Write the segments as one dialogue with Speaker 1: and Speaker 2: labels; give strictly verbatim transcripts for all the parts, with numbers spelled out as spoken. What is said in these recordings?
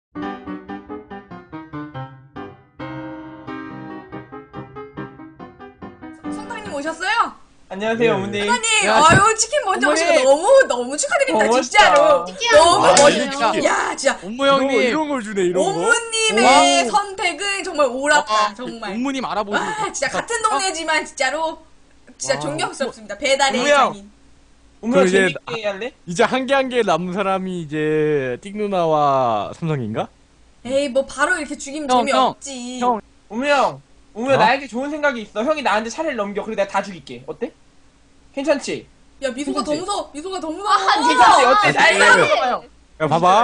Speaker 1: 선장님 오셨어요?
Speaker 2: 안녕하세요, 어머니.
Speaker 1: 선장님, 아유 치킨 먼저
Speaker 2: 어머니.
Speaker 1: 오시고 너무 너무 축하드립니다,
Speaker 2: 고맙다.
Speaker 1: 진짜로. 너무
Speaker 3: 아,
Speaker 1: 멋있어.
Speaker 3: 이게
Speaker 1: 야, 진짜
Speaker 3: 옴무
Speaker 4: 이런 거,
Speaker 3: 형님,
Speaker 4: 이런 걸 주네, 이런 거.
Speaker 1: 오무님의 선택은 정말 옳았다,
Speaker 3: 아,
Speaker 1: 정말.
Speaker 3: 옴무님 알아보시고.
Speaker 1: 와, 진짜 같은 동네지만 진짜로 진짜
Speaker 4: 와.
Speaker 1: 존경스럽습니다. 배달의
Speaker 2: 오무야.
Speaker 1: 장인.
Speaker 2: 어머니
Speaker 4: 그럼 이제
Speaker 2: 재밌게 할래?
Speaker 4: 이제 한 개 한 개 남은 사람이 이제 띡 누나와 삼성인가?
Speaker 1: 에이, 뭐 바로 이렇게 죽이면
Speaker 3: 형,
Speaker 1: 재미없지.
Speaker 4: 형.
Speaker 2: 어머니 형, 어머니
Speaker 4: 어?
Speaker 2: 나에게 좋은 생각이 있어. 형이 나한테 차례를 넘겨. 그리고 내가 다 죽일게. 어때? 괜찮지?
Speaker 1: 야, 미소가 더
Speaker 2: 괜찮지?
Speaker 1: 무서워. 미소가 더 무서워.
Speaker 2: 괜찮지? 어때?
Speaker 4: 아,
Speaker 2: 나에게
Speaker 4: 괜찮아요.
Speaker 2: 넘겨봐요.
Speaker 4: 야, 봐봐.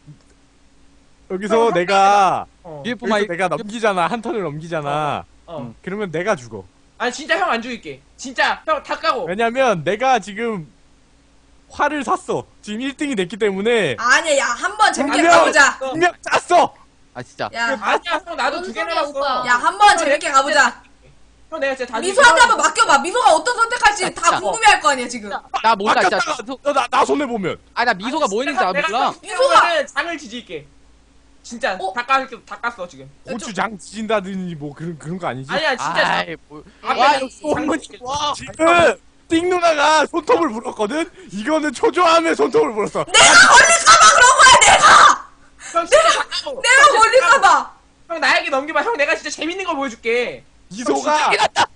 Speaker 4: 여기서 내가
Speaker 2: 어.
Speaker 3: 유-
Speaker 4: 여기서 내가 넘기잖아. 한 턴을 넘기잖아.
Speaker 2: 어.
Speaker 4: 그러면 내가 죽어.
Speaker 2: 아니 진짜 형 안 죽일게. 진짜 형 다 까고.
Speaker 4: 왜냐면 내가 지금 활을 샀어. 지금 일 등이 됐기 때문에
Speaker 1: 아니야, 야, 한 번 재밌게
Speaker 4: 분명-
Speaker 1: 가보자.
Speaker 4: 분명 짰어.
Speaker 3: 아 진짜.
Speaker 1: 야,
Speaker 2: 아니야 형 나도 두 개나 났어.
Speaker 1: 야, 한 번 재밌게 가보자.
Speaker 2: 형 내가 진짜 다
Speaker 1: 미소한테 한번 맡겨봐. 미소가 어떤 선택할지
Speaker 3: 야,
Speaker 1: 다
Speaker 3: 진짜.
Speaker 1: 궁금해할 거 아니야, 지금.
Speaker 3: 나 몰라 진짜.
Speaker 4: 아꼈다가
Speaker 3: 미소,
Speaker 4: 너, 나, 나 손해 보면.
Speaker 3: 아 나 미소가 뭐 있는지 안 몰라.
Speaker 2: 미소가 장을 지질게. 진짜
Speaker 1: 어?
Speaker 2: 다 깠, 다 깠어 지금.
Speaker 4: 고추장 지진다든지 뭐 그런 그런 거 아니지?
Speaker 2: 아니야 진짜.
Speaker 3: 아이 뭐.
Speaker 2: 앞에
Speaker 3: 와
Speaker 2: 장-
Speaker 3: 역시
Speaker 2: 장
Speaker 3: 옴무님.
Speaker 2: 지질게.
Speaker 3: 와.
Speaker 4: 지금 띡 누나가 손톱을 물었거든? 이거는 초조함에 손톱을 물었어.
Speaker 1: 내가 걸릴까봐 그런 거야, 내가!
Speaker 2: 형 진짜 다 까고.
Speaker 1: 내가 걸릴까봐!
Speaker 2: 형 나에게 넘겨봐. 형 내가 진짜 재밌는 거 보여줄게.
Speaker 4: 미소가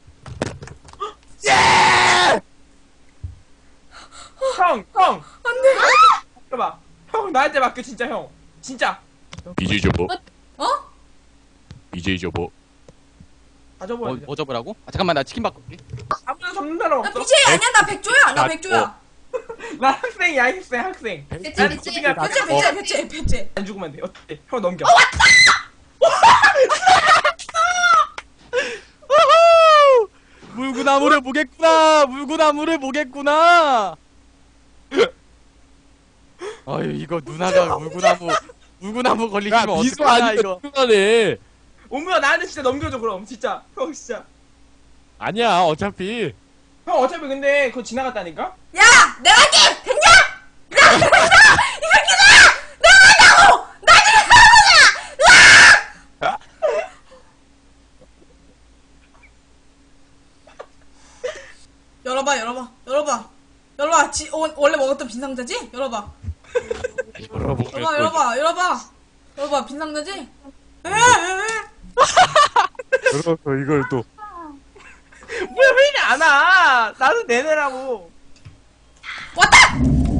Speaker 2: 형, 형.
Speaker 1: 안 돼.
Speaker 2: 봐봐. 형 나한테 맡겨 진짜 형. 진짜.
Speaker 5: 이제 접어.
Speaker 1: 어?
Speaker 5: 이제 접어.
Speaker 2: 다 접어야
Speaker 3: 뭐,
Speaker 2: 돼.
Speaker 3: 뭐 접으라고? 아 잠깐만 나 치킨 바꿀게.
Speaker 2: 아무나 접는 사람
Speaker 1: 나
Speaker 2: 없어.
Speaker 1: 비제이 아니야? 나 백조야! 나
Speaker 4: 아,
Speaker 1: 백조야!
Speaker 2: 나 학생이야 학생 학생.
Speaker 1: 배째,
Speaker 2: 난
Speaker 1: 배째,
Speaker 2: 어떻게 다
Speaker 1: 배째, 배째, 배째, 배째.
Speaker 2: 안 죽으면 돼. 어때? 형 넘겨.
Speaker 3: 우후! 물구나무를 보겠구나. 물구나무를 보겠구나. 아유 이거 누나가 물구나무 물구나무
Speaker 4: 야,
Speaker 3: 걸리시면
Speaker 4: 미소
Speaker 3: 어떡하냐
Speaker 4: 아니면
Speaker 3: 이거.
Speaker 4: 누나네.
Speaker 2: 오무야 나한테 진짜 넘겨줘 그럼 진짜. 형 진짜.
Speaker 4: 아니야, 어차피.
Speaker 2: 형 어차피 근데 그거 지나갔다니까?
Speaker 1: 야! 내가 할게! 됐냐? 야! 됐다! 이 새끼들아! 내가 한다고! 나 지금 가보자! 열어봐, 열어봐, 열어봐. 열어봐. 지, 어, 원래 먹었던 빈 상자지? 열어봐. 열어봐, 열어봐, 열어봐. 열어봐, 빈 상자지? 에, 에, 에.
Speaker 4: 그래서 이걸 또.
Speaker 2: 뭐야 왜 이리 안 와? 나도 내내라고.
Speaker 1: 왔다!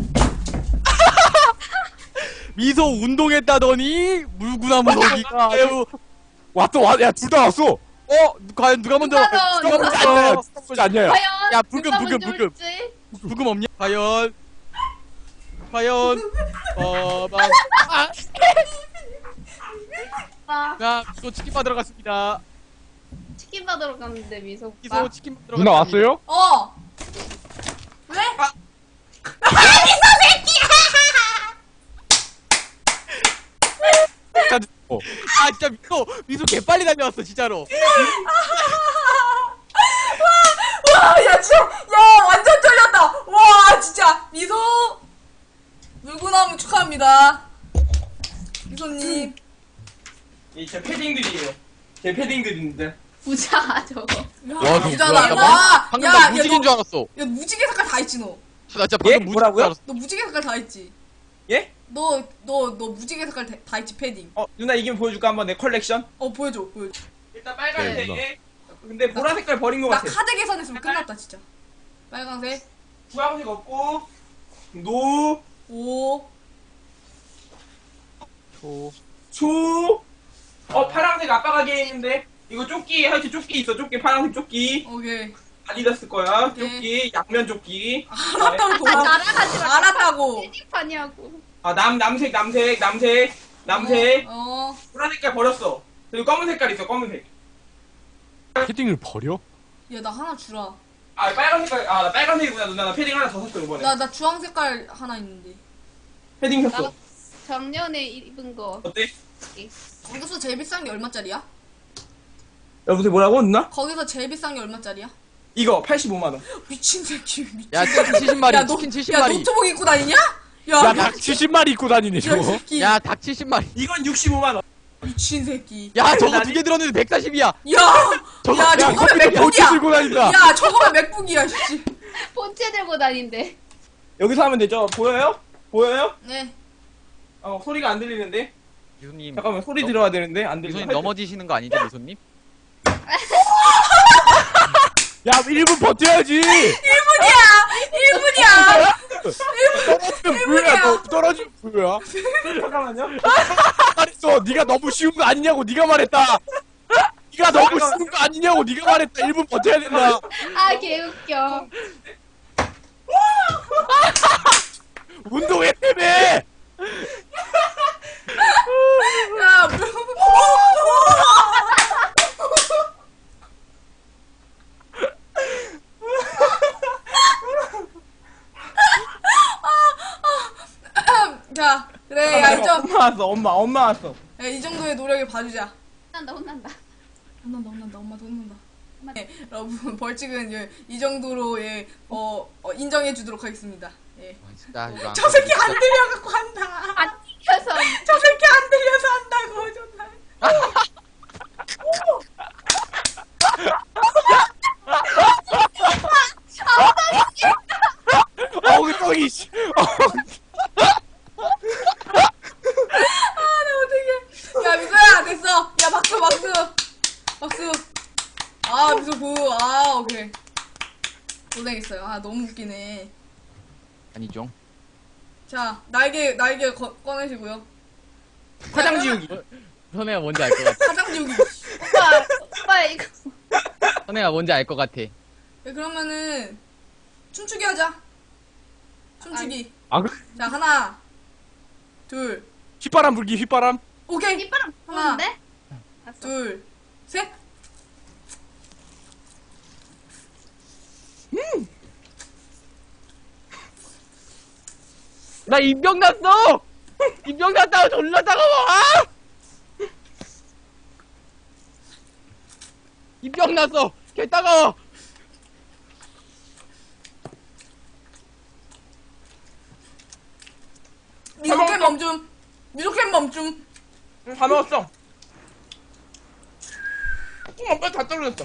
Speaker 3: 미소 운동했다더니 물구나무 넣기가 아주.
Speaker 4: 왔어, 왔, 야, 둘 다 왔어.
Speaker 3: 어 과연 누가 먼저?
Speaker 6: 누가 더,
Speaker 3: 누가
Speaker 6: 누가
Speaker 4: 쏘지 않냐,
Speaker 3: 먼저?
Speaker 4: 쏘지 않냐.
Speaker 6: 과연
Speaker 3: 야, 불금,
Speaker 6: 누가
Speaker 3: 불금,
Speaker 6: 먼저
Speaker 3: 불금.
Speaker 6: 올지?
Speaker 3: 부금 없냐? 과연 과연 어 막.
Speaker 6: 아,
Speaker 3: 자 미소 치킨 받으러 갔습니다.
Speaker 6: 치킨 받으러 갔는데 미소.
Speaker 3: 미소 치킨 받으러
Speaker 4: 누나
Speaker 3: 갔습니다.
Speaker 4: 왔어요?
Speaker 1: 어. 왜?
Speaker 2: 아.
Speaker 4: 어.
Speaker 3: 아 진짜 미소 미소 개빨리 달려왔어 진짜로.
Speaker 1: 와, 야, 진짜, 야, 완전 쫄렸다. 와, 진짜. 미소, 물구나무 축하합니다. 미소님.
Speaker 2: 이 제 패딩들이에요. 제 패딩들인데.
Speaker 6: 부자 저거.
Speaker 1: 야,
Speaker 3: 와, 저거
Speaker 1: 부자다.
Speaker 3: 뭐야,
Speaker 1: 야,
Speaker 3: 방금
Speaker 1: 야,
Speaker 3: 나
Speaker 1: 야,
Speaker 3: 무직인
Speaker 1: 너,
Speaker 3: 줄 알았어.
Speaker 1: 야, 무지개 색깔 다 있지, 너.
Speaker 3: 나 진짜
Speaker 2: 예?
Speaker 3: 방금 무직인 줄
Speaker 2: 뭐라고요?
Speaker 3: 알았어.
Speaker 1: 너 무지개 색깔 다 있지.
Speaker 2: 예?
Speaker 1: 너, 너, 너 무지개 색깔 다, 다 있지, 패딩.
Speaker 2: 어 누나 이기면 보여줄까 한번 내 컬렉션?
Speaker 1: 어, 보여줘, 보여줘.
Speaker 2: 일단
Speaker 4: 네,
Speaker 2: 빨간색에. 근데 보라 색깔 버린 것
Speaker 1: 나
Speaker 2: 같아.
Speaker 1: 카드 계산했으면 끝났다, 진짜. 빨강색,
Speaker 2: 주황색 없고 노,
Speaker 1: 오,
Speaker 3: 초.
Speaker 2: 초. 어 파란색 아빠가 게 있는데 이거 조끼 하여튼 조끼 있어. 조끼 파란색 조끼.
Speaker 1: 오케이.
Speaker 2: 아디다스 거야.
Speaker 1: 오케이.
Speaker 2: 조끼 양면 조끼.
Speaker 1: 알았다고.
Speaker 6: 아, 날아가지 마.
Speaker 1: 알았다고.
Speaker 6: 패딩판이하고.
Speaker 2: 아 남 남색 남색 남색 남색.
Speaker 1: 어, 어.
Speaker 2: 보라 색깔 버렸어. 그리고 검은 색깔 있어. 검은색.
Speaker 4: 패딩을 버려?
Speaker 1: 야, 나 하나 주라.
Speaker 2: 아 빨간 색깔. 아 나 빨간색이구나 누나. 나 패딩 하나 더 샀어 이번에.
Speaker 1: 나, 나 주황 색깔 하나 있는데.
Speaker 2: 패딩
Speaker 6: 나
Speaker 2: 샀어.
Speaker 6: 작년에 입은 거.
Speaker 2: 어때?
Speaker 1: 거기서 제일 비싼 게 얼마짜리야?
Speaker 2: 여보세요 뭐라고 누나?
Speaker 1: 거기서 제일 비싼 게 얼마짜리야?
Speaker 2: 이거 팔십오만 원.
Speaker 1: 미친 새끼, 미친.
Speaker 3: 야 치킨 칠십 마리.
Speaker 1: 야, 너,
Speaker 3: 치킨 칠십
Speaker 1: 야,
Speaker 3: 마리.
Speaker 1: 노트북 입고 다니냐? 야,
Speaker 4: 야,
Speaker 1: 야,
Speaker 4: 닭 칠십 마리 입고 다니네,
Speaker 1: 야, 이
Speaker 4: 저거.
Speaker 1: 새끼.
Speaker 3: 야 닭 칠십 마리.
Speaker 2: 이건 육십오만 원.
Speaker 1: 미친 새끼.
Speaker 3: 야 저거 두 개 들었는데 백사십이야.
Speaker 1: 야,
Speaker 3: 저거-
Speaker 1: 야,
Speaker 4: 야,
Speaker 1: 저거면
Speaker 4: 컴퓨터 본체
Speaker 1: 맥북이야.
Speaker 4: 들고 다닌다.
Speaker 1: 야, 저거면 맥북이야, 씨.
Speaker 6: 본체 들고 다닌대.
Speaker 2: 여기서 하면 되죠? 보여요? 보여요?
Speaker 1: 네.
Speaker 2: 어 소리가 안 들리는데.
Speaker 3: 미소님.
Speaker 2: 잠깐만 소리
Speaker 3: 너-
Speaker 2: 들어야 되는데 안 들려.
Speaker 3: 미소님 넘어지시는 거 아니죠 미소님?
Speaker 4: 야, 일 분 버텨야지.
Speaker 1: 일 분이야! 일 분이야!
Speaker 4: 떨어지면 부여야, 너 떨어지면 부여야.
Speaker 2: 잠깐만요.
Speaker 4: 말했어. 네가 너무 쉬운 거 아니냐고 네가 말했다. 네가 너무 쉬운 거 아니냐고 네가 말했다. 일 분 버텨야 된다.
Speaker 6: 아, 개웃겨.
Speaker 4: 운동회 때문에.
Speaker 1: 야, 뭐. 자, 그래, 야, 이, 정,
Speaker 2: 엄마 왔어. 엄마 엄마 왔어.
Speaker 1: 야, 이 정도의 노력을 봐주자.
Speaker 6: 혼난다, 혼난다.
Speaker 1: 혼난다, 혼난다, 엄마도 혼난다. 네, 여러분, 벌칙은 예, 이 정도로, 예, 어, 어, 인정해주도록 하겠습니다. 예.
Speaker 3: 아, 진짜 이거 안
Speaker 1: 저 새끼 안 들려갖고 한다.
Speaker 6: 안 튀겨서.
Speaker 1: 저 새끼 안 들려서 한다고, 정말.
Speaker 4: 엉덩이 씨.
Speaker 1: 아, 나 어떡해. 야, 미소야, 됐어. 야, 박수, 박수. 박수. 아, 미소 구. 아, 오케이. 고생했어요. 아, 너무 웃기네.
Speaker 3: 아니죠.
Speaker 1: 자, 날개, 날개 거, 꺼내시고요.
Speaker 2: 화장 지우기.
Speaker 3: 선혜가 뭔지 알 것 같아.
Speaker 1: 화장 지우기.
Speaker 6: 오빠, 오빠, 이거.
Speaker 3: 선혜가 뭔지 알 것 같아.
Speaker 1: 네, 그러면은, 춤추기 하자. 춤추기.
Speaker 4: 아, 그
Speaker 1: 자, 하나, 둘,
Speaker 4: 휘바람 불기 휘바람.
Speaker 1: 오케이.
Speaker 6: 이빨은
Speaker 1: 하나.
Speaker 6: 부는데?
Speaker 1: 둘, 셋.
Speaker 3: 나 입병 났어. 입병 났다고 졸라 따가워. 아! 입병 났어. 개 따가워.
Speaker 1: 미소캔 멈춤. 미소캔 멈춤.
Speaker 2: 응, 다 먹었어. 어, 엄마 다 떨어졌어.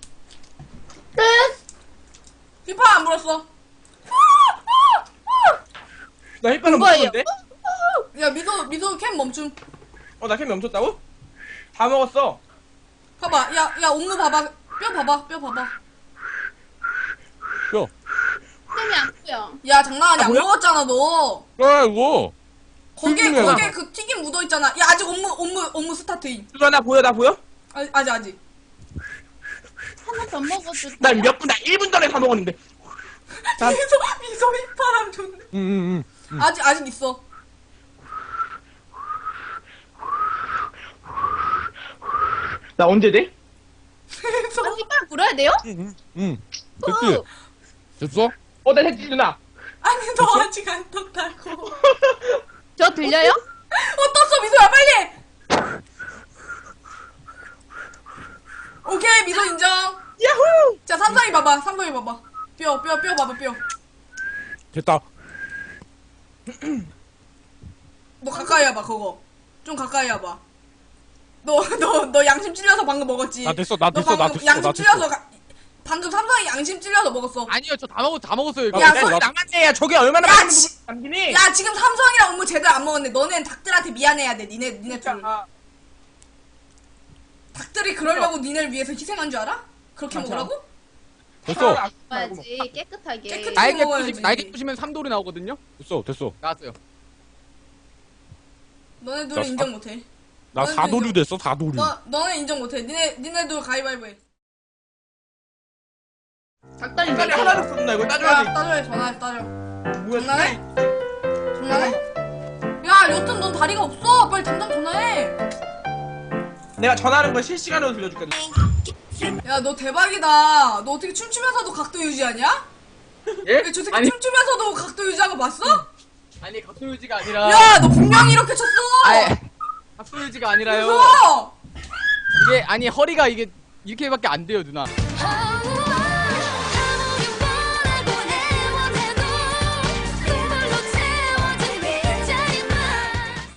Speaker 1: 휘파 안 불었어.
Speaker 2: 나 햇반은 못
Speaker 6: 뭐예요?
Speaker 2: 먹었는데?
Speaker 1: 야, 미소, 미소 캔 멈춤.
Speaker 2: 어, 나 캠 멈췄다고? 다 먹었어.
Speaker 1: 봐봐. 야, 야, 옥무 봐봐. 뼈 봐봐. 뼈 봐봐.
Speaker 4: 야,
Speaker 6: 쌤이 안 보여.
Speaker 1: 야, 장난 아니야.
Speaker 2: 아,
Speaker 1: 안
Speaker 2: 뭐야?
Speaker 1: 먹었잖아, 너.
Speaker 4: 아이고.
Speaker 1: 거기에,
Speaker 2: 튀김이야.
Speaker 1: 거기에 그 튀김 묻어있잖아. 야, 아직 옥무, 옥무, 옥무 스타트임.
Speaker 2: 누가 나 보여? 나 보여?
Speaker 1: 아, 아직, 아직.
Speaker 6: 하나 더 먹어도 돼.
Speaker 2: 나 몇 분, 나 일 분 전에 다 먹었는데. 자.
Speaker 1: 미소, 미소 휘파람 좋네.
Speaker 4: 응, 응,
Speaker 1: 아직, 아직 있어.
Speaker 2: 나 언제 돼?
Speaker 1: 미소.
Speaker 6: 나 이빨 불어야 돼요?
Speaker 4: 응, 응. 됐지?
Speaker 6: 후.
Speaker 4: 됐어?
Speaker 2: 어, 나 됐지, 누나.
Speaker 1: 아니, 너 아직 안 떴다고.
Speaker 6: 저 들려요?
Speaker 1: 어, 떴어, 미소야, 빨리! 오케이, 미소 인정.
Speaker 2: 야호!
Speaker 1: 자, 삼성이 봐봐, 삼성이 봐봐. 뼈, 뼈, 뼈 봐봐, 뼈.
Speaker 4: 됐다.
Speaker 1: 너 가까이 와봐, 그거. 좀 가까이 와봐. 너, 너, 너 양심 찔려서 방금 먹었지?
Speaker 4: 나 됐어, 나
Speaker 1: 너
Speaker 4: 됐어, 나
Speaker 1: 방금
Speaker 4: 됐어,
Speaker 1: 양심
Speaker 4: 나
Speaker 1: 찔려서,
Speaker 4: 됐어.
Speaker 1: 가, 방금 삼성이 양심 찔려서 먹었어.
Speaker 3: 아니요 저 다 먹었 다 먹었어요 이거.
Speaker 1: 야,
Speaker 2: 야,
Speaker 1: 서-
Speaker 2: 저기 남았네. 야, 저게 얼마나
Speaker 1: 야,
Speaker 2: 많은
Speaker 1: 지-
Speaker 2: 부분 남기니?
Speaker 1: 야, 지금 삼성이랑 업무 제대로 안 먹었네. 너넨 닭들한테 미안해야 돼, 니네, 니네 둘.
Speaker 2: 아,
Speaker 1: 닭들이 그러려고 니네를 위해서 희생한 줄 알아? 그렇게
Speaker 2: 맞아.
Speaker 1: 먹으라고?
Speaker 4: 됐어.
Speaker 2: 아,
Speaker 6: 먹어야지, 깨끗하게.
Speaker 1: 깨끗-
Speaker 3: 날개
Speaker 1: 먹어야지.
Speaker 3: 부시 날개 부시면 삼돌이 나오거든요.
Speaker 4: 됐어, 됐어.
Speaker 3: 나왔어요.
Speaker 1: 너네
Speaker 4: 자,
Speaker 1: 둘은
Speaker 4: 사-
Speaker 1: 인정 못해.
Speaker 4: 나
Speaker 1: 너는
Speaker 4: 사도류
Speaker 1: 인정-
Speaker 4: 됐어, 사도류.
Speaker 1: 너, 너네 인정 못해. 니네, 니네 둘 가위바위보 해.
Speaker 6: 닭다리
Speaker 2: 닭다리
Speaker 6: 몇 개야?
Speaker 2: 하나도 없나 이거 따줘야
Speaker 1: 야,
Speaker 2: 돼.
Speaker 1: 따져야 전화해, 따져.
Speaker 2: 뭐야?
Speaker 1: 전화해? 전화해? 야, 여튼 넌 다리가 없어. 빨리 당장 전화해.
Speaker 2: 내가 전화하는 걸 실시간으로 들려줄게.
Speaker 1: 야, 너 대박이다. 너 어떻게 춤추면서도 각도 유지하냐?
Speaker 3: 예?
Speaker 1: 야, 저 새끼 춤추면서도 각도 유지한 거 봤어?
Speaker 3: 아니 각도 유지가 아니라.
Speaker 1: 야, 너 분명히 이렇게 췄어.
Speaker 3: 아니 각도 유지가 아니라요.
Speaker 1: 무서워.
Speaker 3: 이게 아니 허리가 이게 이렇게밖에 안 돼요 누나.